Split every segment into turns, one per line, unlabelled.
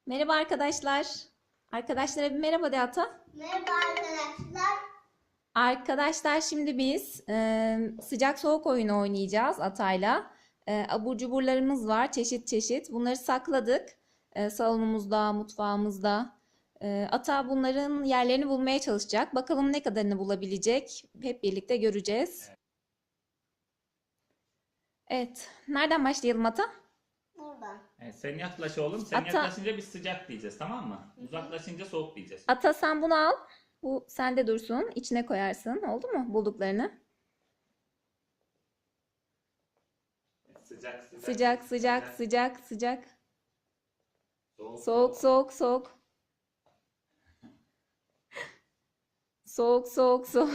Merhaba arkadaşlar. Arkadaşlara bir merhaba de Ata.
Merhaba arkadaşlar.
Arkadaşlar şimdi biz sıcak soğuk oyunu oynayacağız Ata'yla. Abur cuburlarımız var çeşit çeşit. Bunları sakladık. Salonumuzda, mutfağımızda. Ata bunların yerlerini bulmaya çalışacak. Bakalım ne kadarını bulabilecek. Hep birlikte göreceğiz. Evet. Nereden başlayalım Ata?
Buradan.
Evet, sen yaklaş oğlum. Sen
Ata-
yaklaşınca biz sıcak diyeceğiz, tamam mı? Uzaklaşınca soğuk diyeceğiz.
Ata sen bunu al. Bu sende dursun. İçine koyarsın. Oldu mu bulduklarını?
Sıcak
Sıcak sıcak sıcak sıcak.
Soğuk
Soğuk soğuk soğuk. Soğuk soğuk soğuk.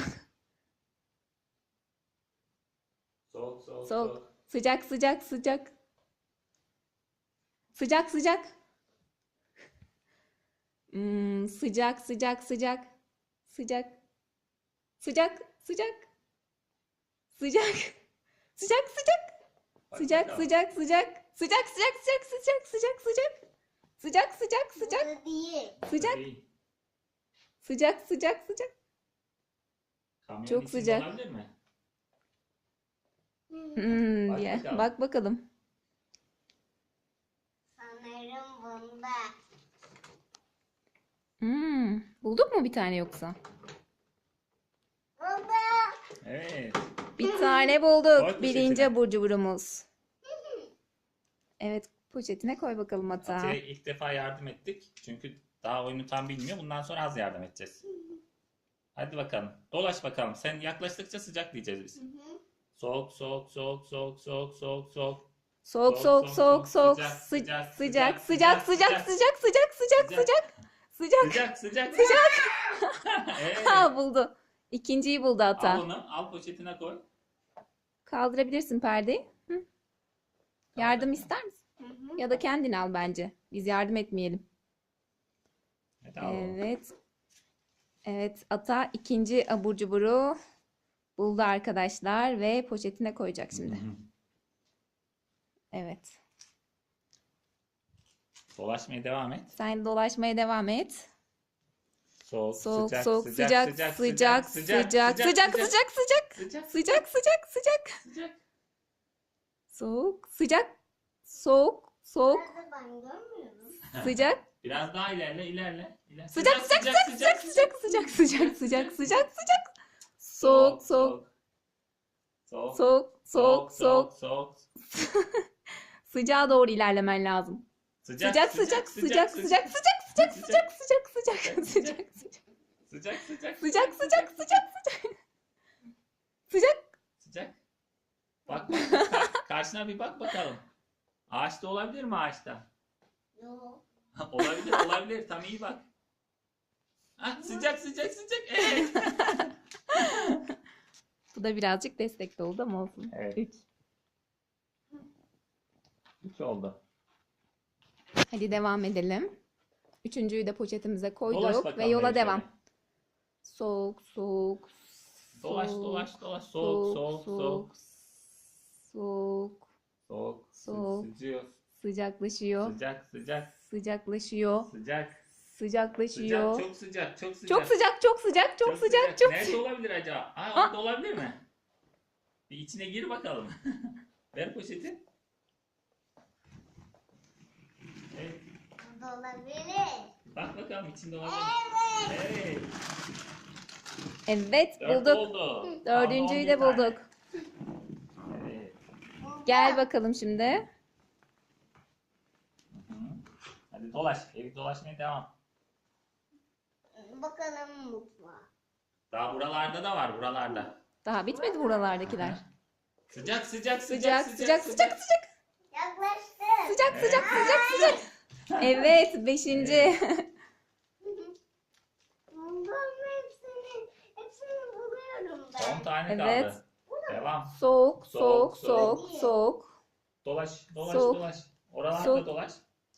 soğuk soğuk
Soğuk. Sıcak sıcak sıcak. Sıcak sıcak. Sıcak sıcak sıcak. Sıcak. Sıcak sıcak. Sıcak. Sıcak sıcak.
Bak
Sıcak
bakalım.
sıcak sıcak. Sıcak sıcak sıcak sıcak sıcak sıcak. Sıcak sıcak sıcak.
Burada değil.
Sıcak.
Değil.
Sıcak sıcak sıcak.
Kamyonun
Çok
içinde
sıcak.
olabilir mi? Bak
Diye.
bakalım.
Bak bakalım.
Sanırım bunda.
Bulduk mu bir tane yoksa?
Burada.
Evet.
Bir tane
Koy
bulduk.
poşetine.
Birinci abur cuburumuz. Evet, poşetine koy bakalım Ata.
Atiye ilk defa yardım ettik. Çünkü daha oyunu tam bilmiyor. Bundan sonra az yardım edeceğiz. Hadi bakalım. Dolaş bakalım. Sen yaklaştıkça sıcak diyeceğiz biz. Soğuk soğuk soğuk soğuk soğuk soğuk soğuk.
Soğuk soğuk soğuk soğuk
Sıcak,
sıcak
sıcak,
sıcak sıcak
sıcak,
sıcak sıcak sıcak sıcak sıcak
Sıcak sıcak sıcak. Evet.
Ha buldu. İkinciyi buldu
Al
Ata.
onu. Al poşetine koy.
Kaldırabilirsin perdeyi. Hı. Yardım ister misin? Ya da kendin al bence. Biz yardım etmeyelim.
Hadi al onu.
Evet. Evet, Ata ikinci abur cuburu buldu arkadaşlar ve poşetine koyacak şimdi.
Hı hı.
Evet.
Dolaşmaya devam et.
Sen dolaşmaya devam et.
Soğuk,
Soğuk
sıcak,
soğuk
sıcak,
sıcak
sıcak,
sıcak
sıcak,
sıcak sıcak sıcak
sıcak,
sıcak sıcak sıcak
sıcak.
soğuk sıcak soğuk soğuk
Nerede ben görmüyorum.
sıcak
Biraz daha ilerle.
sıcak sıcak sıcak sıcak sıcak sıcak sıcak sıcak sıcak soğuk soğuk
Soğuk,
soğuk soğuk soğuk
soğuk.
sıcağa doğru ilerlemen lazım. Sıcak sıcak sıcak sıcak sıcak sıcak sıcak sıcak sıcak sıcak
Sıcak,
sıcak
sıcak,
sıcak sıcak sıcak
sıcak. Bak, karşına bir bak bakalım. Ağaçta olabilir mi ağaçta?
Yok.
Olabilir. Tam iyi bak. Sıcak. Evet.
Bu da birazcık destekli oldu ama olsun.
Evet.
3.
3 oldu.
Hadi devam edelim. Üçüncüyü de poşetimize
Dolaş
koyduk
bakalım
ve yola
Melih
devam.
şöyle.
Soğuk soğuk
Dolaş.
soğuk
Soğuk.
soğuk soğuk
Sıcıyor.
sıcaklaşıyor
Sıcak.
sıcaklaşıyor
Sıcak.
sıcaklaşıyor.
Çok sıcak.
Çok sıcak çok sıcak çok sıcak çok
Nerede
sıcak.
olabilir acaba?
Aa!
Orada olabilir mi? Bir içine gir bakalım. Ver poşeti. Evet.
Burada olabilir.
Bak bakalım içinde olabilir. Evet.
Evet
4
bulduk.
oldu.
Dördüncüyü de
Kaldı 11
bulduk.
tane. Evet.
Gel bakalım şimdi.
Hı. Hadi dolaş. Evi dolaşmaya devam.
Bakalım mutfağa.
Daha buralarda da var. Buralarda.
Daha bitmedi buralardakiler.
Sıcak.
Sıcak sıcak sıcak sıcak
Yaklaştı.
sıcak sıcak sıcak sıcak. Evet beşinci.
Buldum hepsini buluyorum ben.
10 tane
Evet.
kaldı. Devam.
Soğuk
Soğuk,
soğuk soğuk soğuk.
Dolaş.
Soğuk.
Oralarda
Soğuk.
dolaş.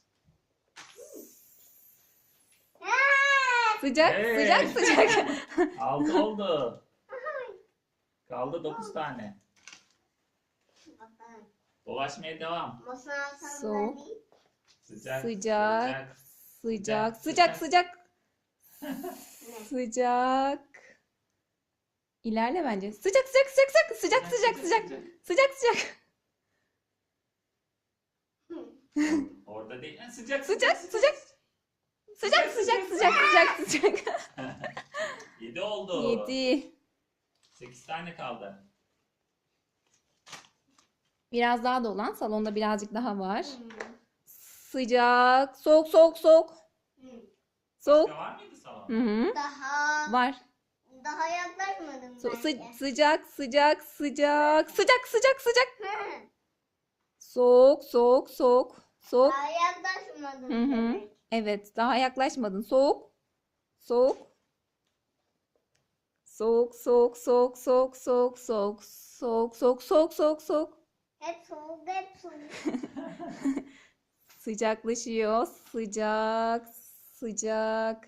Sıcak
Evet.
sıcak sıcak.
6 oldu. Kaldı 9 tane.
Bakalım.
Dolaşmaya devam.
Masa
Soğuk.
sandalye.
Sıcak.
Sıcak. Sıcak, sıcak, sıcak. Sıcak. İlerle bence. Sıcak, sıcak, sıcak, sıcak, sıcak, sıcak, sıcak, sıcak, sıcak.
Orada değil. Ha, sıcak,
Sıcak, sıcak. Sıcak, sıcak, sıcak, sıcak, sıcak.
7 oldu.
7.
8 tane kaldı.
Biraz daha dolan. Salonda birazcık daha var. Sıcak, soğuk, soğuk, soğuk. Soğuk.
Başka var mıydı salonda?
Hı hı. Var.
Daha yaklaşmadım bence.
Sıcak, sıcak, sıcak, sıcak, sıcak, sıcak. Soğuk, soğuk, soğuk, soğuk.
Daha yaklaşmadım
Hı hı.
demek.
Evet, daha yaklaşmadın. Soğuk, soğuk. Soğuk, soğuk, soğuk, soğuk, soğuk, soğuk, soğuk, soğuk, soğuk, soğuk, soğuk.
Hep soğuk, hep soğuk.
Sıcaklaşıyor. Sıcak, sıcak.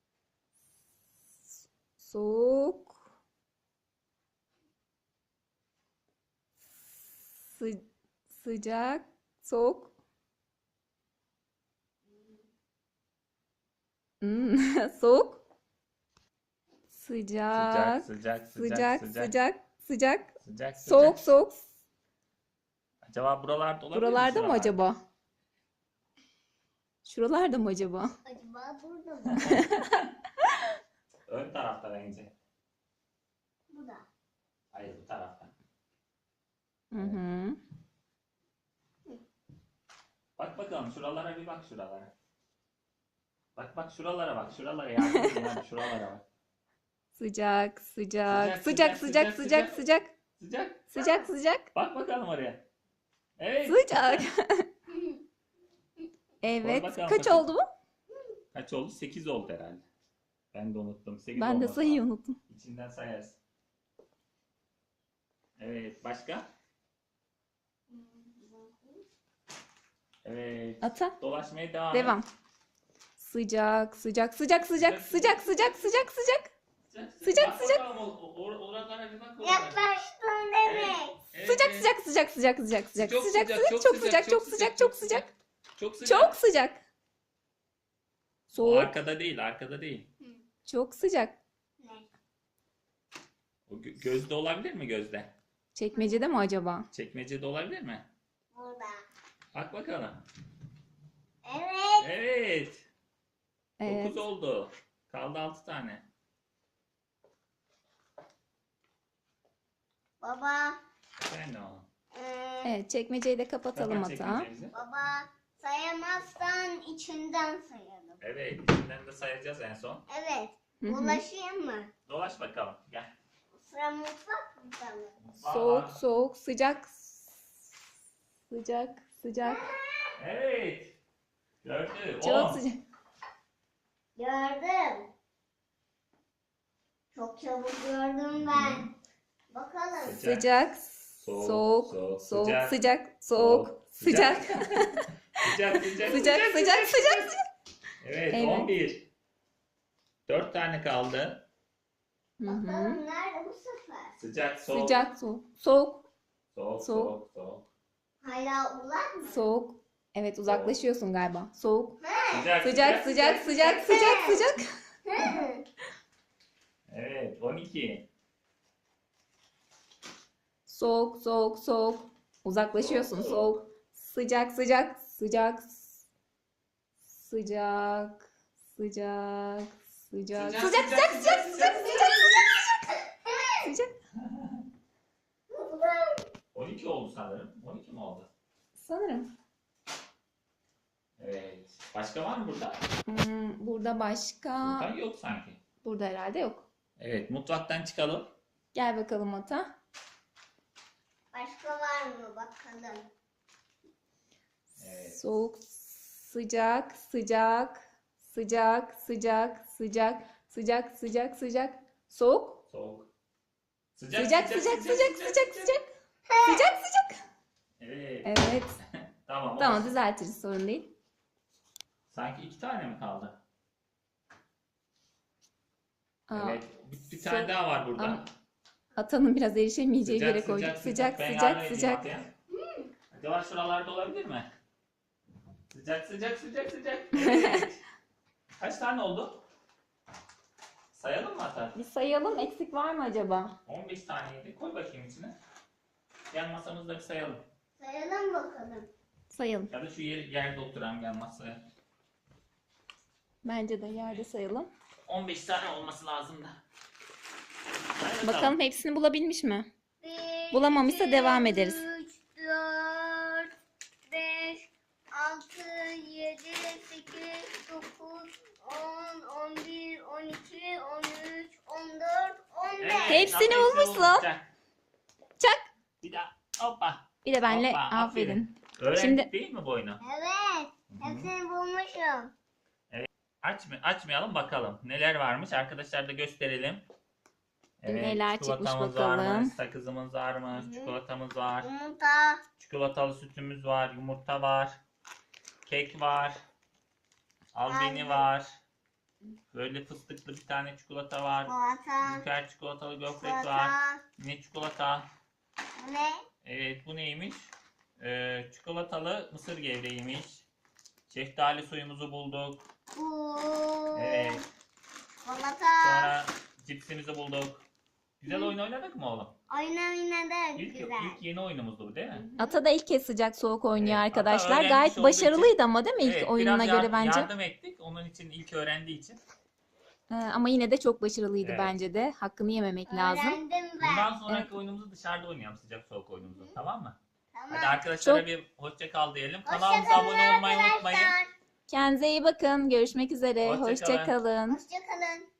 Soğuk. Sıcak, soğuk. Soğuk. Sıcak,
Sıcak,
sıcak, sıcak, sıcak.
Sıcak,
Soğuk, soğuk.
Acaba buralarda olabilir mi?
Buralarda mı
şuralarda?
acaba? Şuralarda mı acaba?
Acaba burada mı?
Ön tarafta bence.
Bu da.
Hayır, bu tarafta.
Hı hı.
Bak bakalım şuralara bir bak şuralara. Bak şuralara bak. Şuralara yardım edin hadi, şuralara bak.
Sıcak, sıcak,
Sıcak,
sıcak,
sıcak,
sıcak,
sıcak,
sıcak, sıcak,
Sıcak.
sıcak, sıcak,
Bak bakalım oraya. Evet.
sıcak.
Koy
Evet.
bakalım
Kaç
bakayım.
oldu bu?
Kaç oldu? 8 oldu herhalde. Ben de unuttum. 8
Ben de
olması
sayıyı
lazım.
unuttum.
İçinden sayarsın. Evet. Başka? Evet.
Ata.
Dolaşmaya devam et.
Devam. Sıcak, sıcak, sıcak, sıcak, sıcak, sıcak, sıcak, sıcak. Sıcak,
Bak
sıcak.
bakalım oralara bir bak. oralara.
Yaklaştın demek.
Evet,
Sıcak,
evet.
sıcak, sıcak, sıcak, sıcak, sıcak,
Çok
sıcak,
sıcak,
sıcak, çok sıcak, çok sıcak, çok sıcak,
Çok sıcak.
çok sıcak.
O
Soğuk,
arkada değil, arkada değil.
çok sıcak.
Ne?
O gözde olabilir mi gözde?
Çekmecede mi acaba?
Çekmecede olabilir mi?
Burada.
Bak bakalım.
Evet.
Evet.
Evet.
9 oldu. Kaldı 6 tane.
Baba.
Sen o.
Evet, çekmeceyi de kapatalım
Kapat
Ata.
çekmecemizi.
Baba sayamazsan içinden sayalım.
Evet, içinden de sayacağız en son.
Evet.
Hı hı.
Ulaşayım mı?
Dolaş bakalım. Gel.
Sıra mutfak mı?
Soğuk, soğuk, sıcak, sıcak, sıcak.
Evet. Gördü.
Çok
10.
sıcak.
Gördüm. Çok çabuk gördüm ben. Bakalım.
Sıcak,
Soğuk,
soğuk,
soğuk,
soğuk,
sıcak,
sıcak, soğuk, sıcak,
Sıcak, sıcak,
sıcak, sıcak, sıcak.
Evet,
Evet.
11. 4 tane kaldı.
Hı hı.
Bakalım nerede bu sefer?
Sıcak, soğuk.
Sıcak, soğuk, soğuk,
Soğuk,
soğuk.
soğuk, soğuk.
Hala uzak mı?
soğuk. Evet, uzaklaşıyorsun galiba. Soğuk,
Sıcak,
sıcak, sıcak, sıcak, sıcak, sıcak.
Evet, 12.
Soğuk, soğuk, soğuk. Uzaklaşıyorsun. Soğuk. Sıcak, sıcak, sıcak. Sıcak, sıcak, sıcak. Sıcak, sıcak, sıcak, sıcak, sıcak, sıcak.
12 oldu sanırım. 12 mi oldu?
Sanırım.
Evet. Başka var mı burada?
Burada başka.
Burada yok sanki.
Burada herhalde yok.
Evet, mutfaktan çıkalım.
Gel bakalım Ata.
Başka var mı bakalım?
Evet.
Soğuk, sıcak, sıcak, sıcak, sıcak, sıcak, sıcak, sıcak, sıcak. Soğuk.
Soğuk.
Sıcak, sıcak, sıcak, sıcak, sıcak. Sıcak, sıcak.
Evet.
Evet.
Tamam.
Tamam,
olsun.
düzeltiriz, sorun değil.
Sanki 2 tane mi kaldı?
Aa,
Evet. Bir tane daha var burada.
Ama Ata'nın biraz erişemeyeceği bir
Sıcak,
yere koyduk. Sıcak,
Ben
sıcak,
yardım edeyim
sıcak.
Atay'a. Acaba şuralarda olabilir mi? Sıcak, sıcak, sıcak, sıcak. Evet. Kaç tane oldu? Sayalım mı Ata?
Bir sayalım, eksik var mı acaba?
15 taneydi. Koy bakayım içine. Yan masamızda bir sayalım.
Sayalım bakalım.
Sayalım.
Ya da şu yerde oturan yan masaya.
Bence de yerde sayalım.
15 tane olması lazım da. Hadi
Bakalım hepsini bulabilmiş mi?
1,
Bulamamışsa devam ederiz.
3, 4, 5, 6, 7, 8, 9, 10, 11, 12, 13, 14, 15.
Evet,
Hepsini
Ata
bulmuşsun.
Çak.
Çak.
Bir daha. Hoppa.
Bir de benle
Hoppa,
aferin.
Öğrendik
Şimdi-
değil mi bu oyunu?
Evet. Hepsini bulmuşum.
Açmayalım bakalım. Neler varmış? Arkadaşlar da gösterelim.
Neler çıkmış
çikolatamız
bakalım.
varmış, sakızımız varmış, çikolatamız var,
Yumurta.
çikolatalı sütümüz var, yumurta var, kek var, albeni
Aynen.
var. Böyle fıstıklı bir tane çikolata var.
Çikolata.
Ülker çikolatalı gofret var.
Çikolata.
Yine çikolata.
Bu ne?
Evet, bu neymiş? Çikolatalı mısır gevreğiymiş. Şeftali suyumuzu bulduk.
Bu.
Evet.
Çikolata.
Sonra cipsimizi bulduk. Güzel oyun oynadık mı oğlum?
Oynadık.
İlk
Güzel.
yeni oyunumuzdu bu değil mi?
Ata da ilk kez sıcak soğuk oynuyor
Evet, Ata
arkadaşlar.
öğrenmiş
Gayet
olduğu
başarılıydı ama değil mi ilk
Evet,
oyununa
biraz
göre bence?
yardım ettik. Onun için ilk öğrendiği için.
Ama yine de çok başarılıydı
Evet.
bence de. Hakkını yememek lazım.
Öğrendim ben.
Bundan sonraki oyunumuzu dışarıda oynayalım, sıcak soğuk oyunumuzu. Tamam mı?
Tamam.
Hadi arkadaşlara
Çok-
bir hoşça kal diyelim.
Hoşça
Kanalımıza
kalın
abone olmayı
arkadaşlar.
unutmayın.
Kendinize iyi bakın. Görüşmek üzere.
Hoşça kalın.
Hoşça kalın.
Hoşça kalın.